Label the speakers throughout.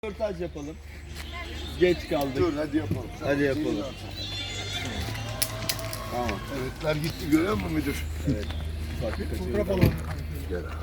Speaker 1: Röportaj yapalım. Geç kaldık.
Speaker 2: Dur hadi yapalım.
Speaker 1: Hadi yapalım. Tamam.
Speaker 2: Evetler gitti görüyor musun müdür?
Speaker 1: Evet.
Speaker 2: Fotoğraf alalım. Gel abi.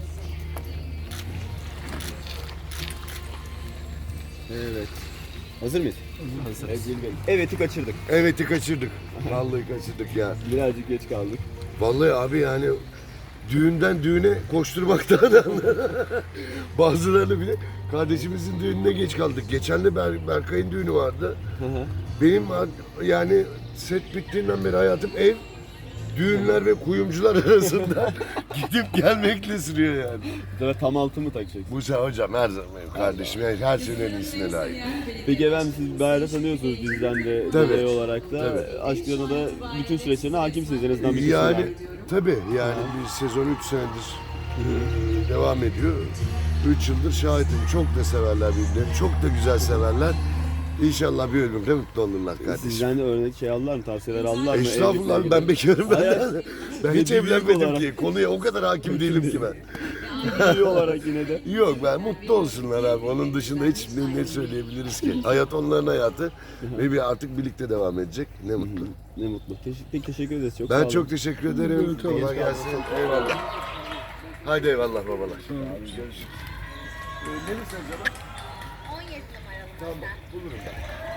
Speaker 1: Evet. Hazır mıyız? Hazırız. Evet'i kaçırdık.
Speaker 2: Evet'i kaçırdık. Vallahi kaçırdık ya.
Speaker 1: Birazcık geç kaldık.
Speaker 2: Vallahi abi yani düğünden düğüne koşturmaktan bazılarını bile kardeşimizin düğününe geç kaldık. Geçen de Berkay'ın düğünü vardı. Benim yani set bittiğinden beri hayatım ev, düğünler ve kuyumcular arasında gidip gelmekle sürüyor yani.
Speaker 1: Bu sefer tam altı mı takacak?
Speaker 2: Musa hocam her zaman benim kardeşim. Yani her şeyin en iyisine layık.
Speaker 1: Peki efendim siz Bahar'ı tanıyorsunuz bizden de
Speaker 2: Tabii.
Speaker 1: dolayı olarak da.
Speaker 2: Tabii.
Speaker 1: Aşk Yoluna da bütün süreçlerine hakimsiniz en azından bir kısmına.
Speaker 2: Yani tabii yani bir sezon 3 senedir devam ediyor. 3 yıldır şahidim. Çok da severler birbirlerini. Çok da güzel severler. İnşallah bir ölümde mutlu olurlar kardeşim.
Speaker 1: Sizden de örnek şey aldılar mı? Tavsiyeler aldılar mı?
Speaker 2: Estağfurullah
Speaker 1: Evlilikle
Speaker 2: ben bekarım ben. Ben hiç
Speaker 1: Bir büyük
Speaker 2: evlenmedim
Speaker 1: olarak.
Speaker 2: ki. Konuya o kadar hakim değilim ki ben.
Speaker 1: ilgili olarak yine de.
Speaker 2: Yok ben mutlu olsunlar abi. Onun dışında hiç ne söyleyebiliriz ki? Hayat onların hayatı ve bir artık birlikte devam edecek. Ne mutlu.
Speaker 1: Ne mutlu. Peki teşekkür ederiz. Çok sağ
Speaker 2: Ben
Speaker 1: olun.
Speaker 2: çok teşekkür ederim. Kolay gelsin. Eyvallah. Haydi eyvallah babalar. Görüşürüz. Neresi acaba?
Speaker 3: 17 numaralı.
Speaker 2: Tamam bulurum ben.